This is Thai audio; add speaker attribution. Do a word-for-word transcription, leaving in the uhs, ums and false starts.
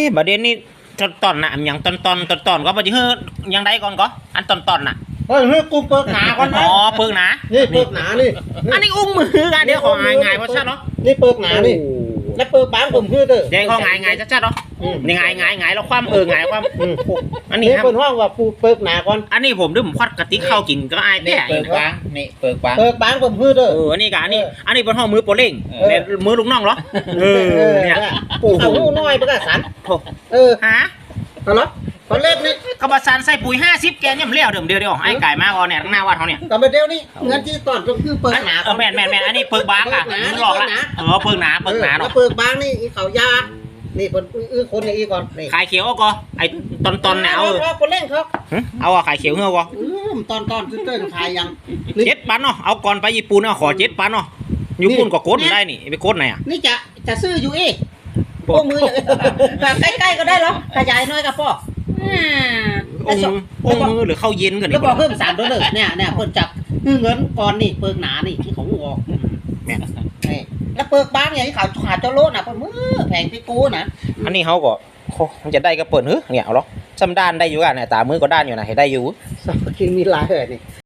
Speaker 1: ประเด็นนี้ตอนตอนน่ะอย่างตอนตอนตอนตอนก็บ่สิเฮ้อยังได้ก่อนก็อันตอนตอนน่ะ
Speaker 2: เฮ้ยเฮ้ยกูเปิดหนาก่อนนะ
Speaker 1: อ๋อเปิกหนา
Speaker 2: นี่เปิดหนานี่
Speaker 1: อันนี้อุ้งมือกันเดี๋ยวของ่ายๆว่าชัดเนาะ
Speaker 2: นี่เปิดหนานี่แล้วเปิดบางผมคือเด้อ
Speaker 1: เดี๋ยวของ่ายๆชัดๆเนาะนี่ง่ายๆๆแล้วความเออง่ายความอันนี้
Speaker 2: นี่
Speaker 1: ครับ
Speaker 2: เปิดห้องว่าปูเปิดหนาก่อน
Speaker 1: อันนี้ผมดื่มควัดกะติกข้าวกินก็อาย
Speaker 3: นี่
Speaker 1: แต่
Speaker 3: เปิดกว้างนี่เปิดกว้าง
Speaker 2: เปิดบางผมคือเด้อ
Speaker 1: เอออันนี้กะอันนี้อันนี้เป็นห้องมือโปรเล่งเนี่ยมือลูกน้องเหรอเออเนี่ยโอ้โห
Speaker 2: เอาหูน้อยไปก็สัน
Speaker 1: โถ่
Speaker 2: เออ
Speaker 1: ฮะ
Speaker 2: ตลอดตอนเล็กนี่
Speaker 1: กระบะสันใส่ปุ๋ยห้าสิบแกนเนี่ยมันเลี้ยวเดิมเดียวเดียวไอ้ไก่มาก่อนเนี่ยข้างหน้าวัดเขาเนี่ย
Speaker 2: กับเดียวนี่เงินที่ตอนก็คือเปิดหนา
Speaker 1: เออแม่นแม่นแม่นอันนี้เปิกบางอ่ะมันหลอกละเออเปิกหนาเปิกหนา
Speaker 2: แล้
Speaker 1: เนาะ
Speaker 2: วเปิดบางนี่อีเขายานี่คนอื้อคนอย่างอีก่อนนี่
Speaker 1: ขายเขียวเอาก็ไอ้ตอนตอนเนี่ยเอา
Speaker 2: คนเล่นเขา
Speaker 1: เอาอะขายเขียวเงาก็
Speaker 2: อืมตอนตอนซื้อเต้นขายยัง
Speaker 1: เจ็ดปันเนาะเอาก่อนไปญี่ปุ่นเนาะขอเจ็ดปันเนาะญี่ปุ่นก็โคตรได้นี่ไปโคตรไหนอ่ะ
Speaker 2: นี่จะจะซื้ออยู่เอ๊ะพวกมือใกล้ๆก็ได้หรอขยายน้อยกับพ่ออ่า
Speaker 1: องค์องค์มือหรือเข้าเย็นกัน
Speaker 2: แล้ว
Speaker 1: นี่
Speaker 2: บอกเพิ่มสามตัวเลยเนี่ยเนี่ยเพิ่นจับเงินก่อนนี่เปิกหนานี่ที่เขาออก
Speaker 1: แม่น
Speaker 2: นี่แล้วเปิกบางอย่างที่เขาขาดเจ้าโลดน่ะเพิ่นมือแพงพี่กูนะ
Speaker 1: อันนี้เขาก็มันจะได้ก็เปิดเฮ้ยเนี่ยเอาหรอซ้ำด้านได้อยู่กันเนี่ยตามือก็ด้านอยู่นะให้ได้อยู่
Speaker 2: สักกินมีหลายเลยนี่